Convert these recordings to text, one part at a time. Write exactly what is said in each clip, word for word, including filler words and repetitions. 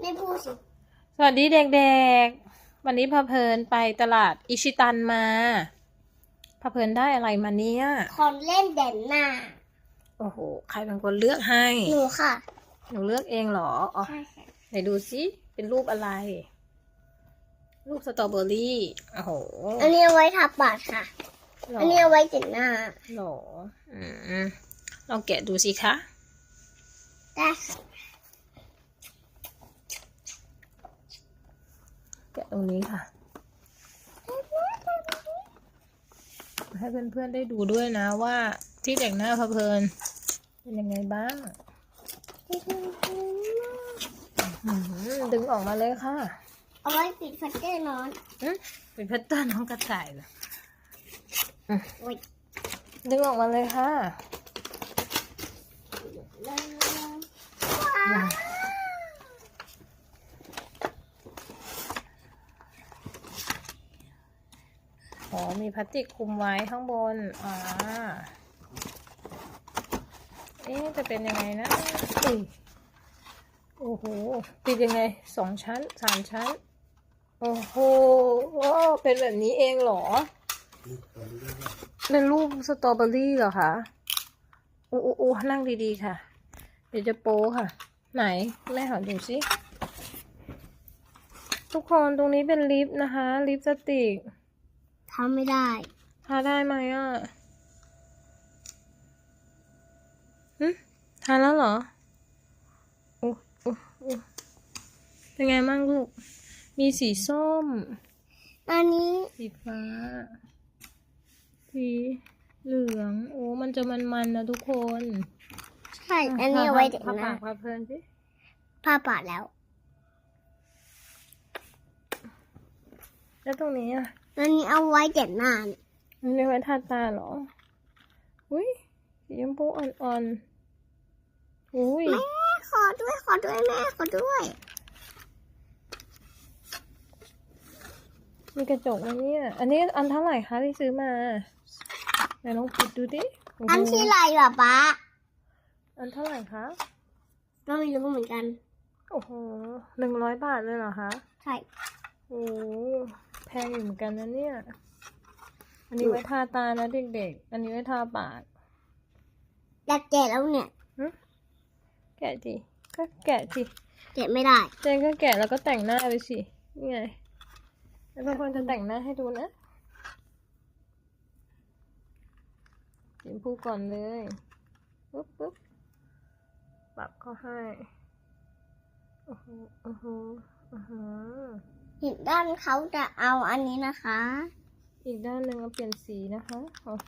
ไม่พูดสิสวัสดีเด็กๆวันนี้พาเพลินไปตลาดอิชิตันมาพาเพลินได้อะไรมาเนี่ยคนเล่นเด่นหน้าโอ้โหใครเป็นคนเลือกให้หนูค่ะหนูเลือกเองเหรออ๋อใช่ค่ะไหนดูสิเป็นรูปอะไรรูปสตรอเบอรี่โอ้โหอันนี้เอาไว้ทับบัตรค่ะอันนี้เอาไว้เด่นหน้าหรออืมลองแกะดูสิคะได้ค่ะแกะตรงนี้ค่ะให้เพื่อนๆได้ดูด้วยนะว่าที่แต่งหน้าพาเพลินเป็นยังไงบ้างดึงออกมาเลยค่ะเอาไว้ปิดพัดเตอร์นอนเป็นพัตเตอร์น้องกระต่ายเหรอดึงออกมาเลยค่ะอ๋อมีพลาสติกคลุมไว้ข้างบนอ่าเอ๊ะจะเป็นยังไงนะโอ้โหติดยังไงสองชั้นสามชั้นโอ้โหเป็นแบบนี้เองเหรอเป็นรูปสตรอเบอรี่เหรอคะโอ้โอ้นั่งดีๆค่ะเดี๋ยวจะโป๊ค่ะไหนแม่ขอดูสิทุกคนตรงนี้เป็นลิปนะคะลิปสติกทำไม่ได้ทาได้ไหมอ่ะฮึทาแล้วเหรอโอ้โอ้โอ้เป็นไงบ้างลูกมีสีส้มอันนี้สีฟ้าสีเหลืองโอ้มันจะมันๆนะทุกคนใช่อันนี้เอาไว้เด็กนะนะพาเพลินสิผ้าปาดแล้วแล้วตรงนี้อ่ะอันนี้เอาไว้เด็กหน้าเนี่ยมันเรียกว่าทาตาเหรออุ้ยสีชมพูอ่อนๆอุ้ยแม่ขอด้วยขอด้วยแม่ขอด้วยมีกระจกไหมเนี่ยอันนี้อันเท่าไหร่คะที่ซื้อมาไหนลองปิดดูดิอันที่ไรแบบป้าอันเท่าไหร่คะก็ไม่รู้เหมือนกันโอ้โหหนึ่งร้อยบาทเลยเหรอคะใช่โอ้แพงอยู่เหมือนกันนะเนี่ยอันนี้ไว้ทาตานะเด็กๆอันนี้ไว้ทาปากอยากแกะแล้วเนี่ยแกะสิก็แกะสิแกะไม่ได้เจนก็แกะแล้วก็แต่งหน้าไปสินี่ไงแล้วบางคนจะแต่งหน้าให้ดูนะสีชมพูก่อนเลยปุ๊บปุ๊บปรับก็ให้โอ้โหโอ้โหโอ้โหอีกด้านเขาจะเอาอันนี้นะคะอีกด้านหนึ่งเอาเปลี่ยนสีนะคะโอ้โห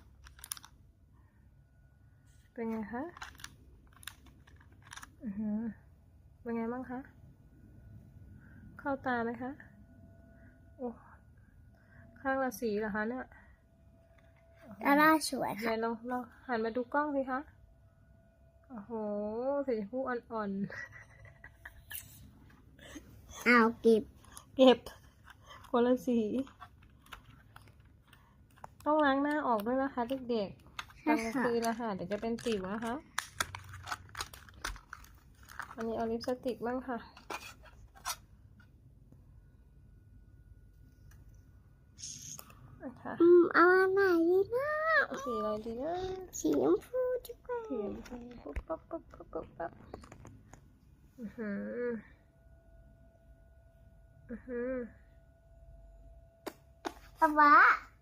เป็นไงคะอือหือเป็นไงบ้างคะเข้าตาไหมคะโอ้ข้างละสีเหรอคะเนี่ยดาราสวยค่ะไหนลองลองหันมาดูกล้องสิคะโอ้โหสีชมพูอ่อนๆเอาเก็บเก็บคนละสีต้องล้างหน้าออกด้วยนะคะเด็กๆตอนกลางคืนนะคะเดี๋ยวจะเป็นสิวนะคะอันนี้เอาลิปสติกบ้างค่ะอืมเอาอันไหนดีนะสีอะไรดีนะสีชมพูดีกว่าสีชมพูปุ๊บปั๊บปุ๊บปุ๊บปุ๊บปั๊บอือหืออือหือป๊าป๊า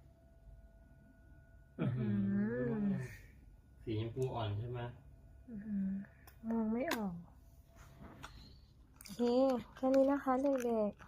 สีชมพูอ่อนใช่ไหมมองไม่ออกโอเคแค่นี้นะคะเด็กๆ